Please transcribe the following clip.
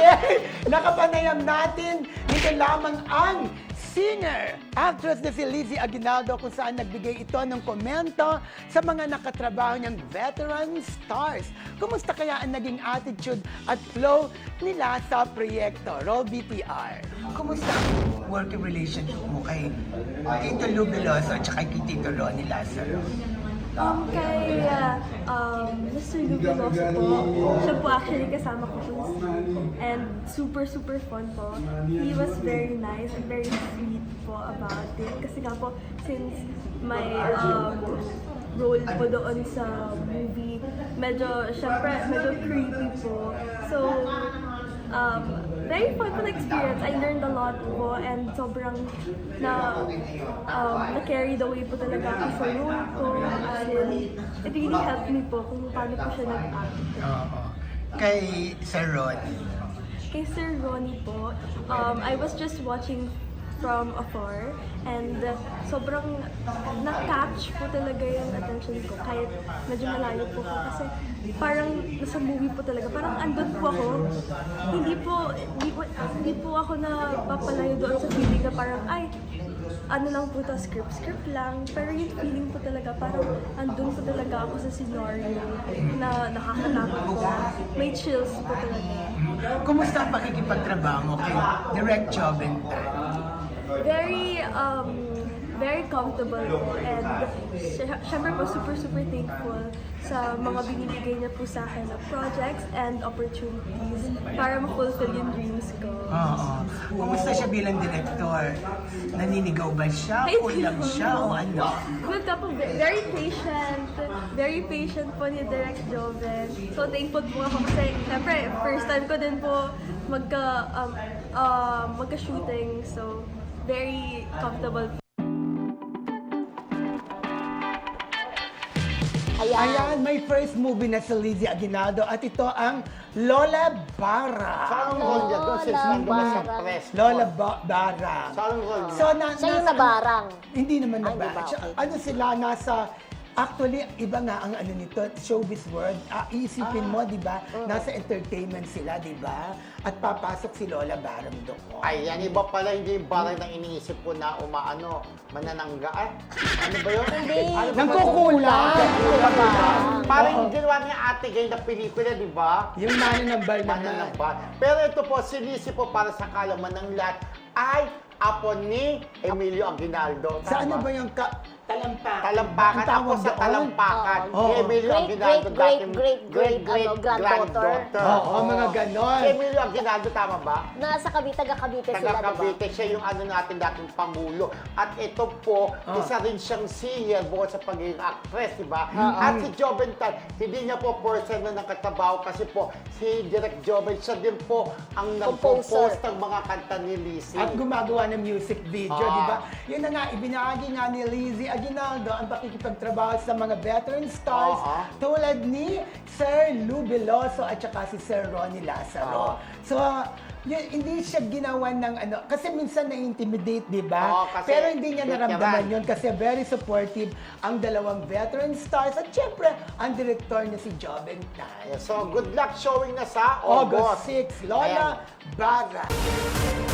Okay, nakapanayam natin dito lamang ang singer, actress na si Lizzie Aguinaldo kung saan nagbigay ito ng komento sa mga nakatrabaho niyang veteran stars. Kumusta kaya ang naging attitude at flow nila sa proyekto? Roll BTR. Kumusta ang working relationship mo kay Tito Lou Veloso at kay Tito Ronnie Lazaro? Kay Mr. Lou Veloso po, siya po actually kasama ko po and super fun po. He was very nice and very sweet po about it. Kasi nga po, since my role po doon sa movie, medyo creepy po. So, very fun experience. I learned a lot po and sobrang na-carry the way po talaga ako sa role ko. And it really helped me po kung paano po siya nag-act. Oo. Kay Sir Ronnie. Kay Sir Ronnie po, I was just watching from afar and sobrang na-catch po talaga yung attention ko kahit medyo malayo po ko kasi parang nasa movie po talaga, parang andun po ako, hindi po ako napapalayo doon sa feeling na parang ay, ano lang po to, script lang, pero yung feeling po talaga parang andun po talaga ako sa scenario na nakakatakot po, may chills po talaga. Kumusta ang pakikipagtrabaho mo kay Direct Joventan? Very comfortable po and syempre po super thankful sa mga binibigay niya po sa akin na projects and opportunities para ma-fulfill yung dreams ko. Oo. Kumusta siya bilang director? Naninigaw ba siya? Kulang siya o ano? Good ka po, very patient po ni Direct Joven. So thankful po ako kasi syempre first time ko din po magka-shooting, so very comfortable. Ayan, may first movie na si Lizzie Aguinaldo at ito ang Lola Bara. Saan ang role niya doon? Since nandun na sa press. Lola Bara. Saan ang role niya? So, Siya yung nabarang. Hindi naman Ay, nabarang. di ba? Okay. Ano sila, nasa... Actually, iba nga ang ano nito, showbiz world. Iisipin mo, di ba? Nasa entertainment sila, di ba? At papasok si Lola Bara doon. Ay, yan iba pala, hindi yung barang na iniisip ko na mananangga. Ay, ano ba yun? Hindi. Ano ba Nangkukulang! Parang yung ginawa niya Ate Gay na pelikula, di ba? Yung mananambal naman. Manananggal. Pero ito po, sinisi po para sa kalaman ng lahat ay apo ni Emilio Aguinaldo. Sa ano Tama? ba yung talampakan? Talampakan. Ang tawag Ako sa doon? talampakan. Oo. Ni Emilio Aguinaldo. Granddaughter. Oo, mga ganon. Si Emilio Aguinaldo, tama ba? Nasa taga-Cavite sila, diba? Taga-Cavite, siya yung natin dating Pangulo. At ito po, isa rin siyang singer bukod sa pagiging actress, di ba? At si Joventan, hindi niya po person na nakatrabaho kasi po si Direk Joven, siya din po ang nag-compose ng mga kanta ni Lizzie. At gumagawa ng music video, Ah. di ba? Yun na nga, ibinahagi nga ni Lizzie Aguinaldo ang pakikipagtrabaho sa mga veteran stars tulad ni Sir Lou Veloso at saka si Sir Ronnie Lazaro. So, yun, hindi siya ginawa ng ano, kasi minsan na-intimidate, di ba? Oo, kasi Pero hindi niya naramdaman veteran. yun kasi very supportive ang dalawang veteran stars at syempre, ang director niya si Joventan. So, good luck showing na sa August August. 6, Lola Ayan. Bara.